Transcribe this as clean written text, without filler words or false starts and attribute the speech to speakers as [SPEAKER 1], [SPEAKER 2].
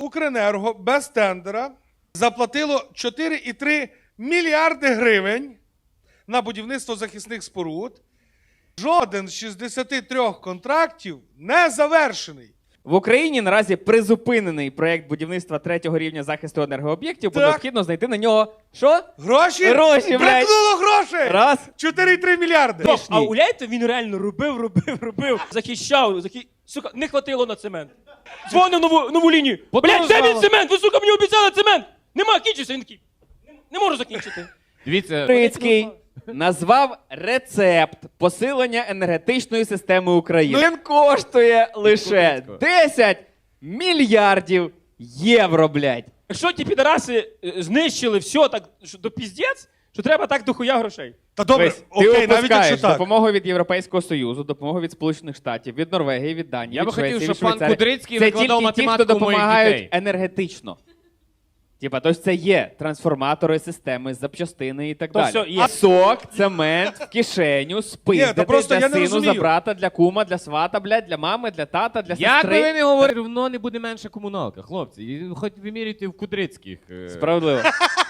[SPEAKER 1] Укренерго без тендера заплатило 4,3 мільярди гривень на будівництво захисних споруд. Жоден з 63 контрактів не завершений.
[SPEAKER 2] В Україні наразі призупинений проєкт будівництва 3-го рівня захисту енергооб'єктів, бо
[SPEAKER 1] Так.
[SPEAKER 2] необхідно знайти на нього що?
[SPEAKER 1] Гроші?
[SPEAKER 2] Гроші, блядь.
[SPEAKER 1] Бракнуло грошей!
[SPEAKER 2] Раз.
[SPEAKER 1] 4,3 мільярди.
[SPEAKER 3] Стоп, а уявляєте, він реально робив, захищав, сука, не хватило на цемент. Дзвонив нову лінію. Блядь, де він цемент? Ви, сука, мені обіцяли цемент! Нема, кінчився, він такий. Не можу закінчити.
[SPEAKER 4] Дивіться,
[SPEAKER 2] Трицький назвав рецепт посилення енергетичної системи України. Він коштує лише 10 мільярдів євро, блядь.
[SPEAKER 3] Якщо ті підараси знищили все так що до піздець, що треба так дохуя грошей.
[SPEAKER 1] Та добре,
[SPEAKER 2] Весь,
[SPEAKER 1] окей,
[SPEAKER 2] ти
[SPEAKER 1] навіть якщо
[SPEAKER 2] опускаєш
[SPEAKER 1] так.
[SPEAKER 2] допомогу від Європейського Союзу, допомогу від Сполучених Штатів, від Норвегії, від Данії,
[SPEAKER 4] Я
[SPEAKER 2] від
[SPEAKER 4] би хотів,
[SPEAKER 2] Швеції,
[SPEAKER 4] щоб
[SPEAKER 2] від
[SPEAKER 4] пан
[SPEAKER 2] Швейцарії.
[SPEAKER 4] Кудрицький
[SPEAKER 2] Це
[SPEAKER 4] викладав
[SPEAKER 2] тільки ті, хто
[SPEAKER 4] математику моїх
[SPEAKER 2] допомагають
[SPEAKER 4] дітей.
[SPEAKER 2] енергетично. Типа, тож це є трансформатори, системи, запчастини і так
[SPEAKER 3] То
[SPEAKER 2] далі.
[SPEAKER 3] все є.
[SPEAKER 2] А сок, цемент в кишеню, спиздити
[SPEAKER 1] просто
[SPEAKER 2] для
[SPEAKER 1] я не
[SPEAKER 2] сину,
[SPEAKER 1] розумію.
[SPEAKER 2] за брата, для кума, для свата, блядь, для мами, для тата, для
[SPEAKER 4] як би ви
[SPEAKER 2] сестри.
[SPEAKER 4] не говорили, воно не буде менша комуналка, хлопці. І хоч вимірюйте в Кудрицьких.
[SPEAKER 2] Справедливо.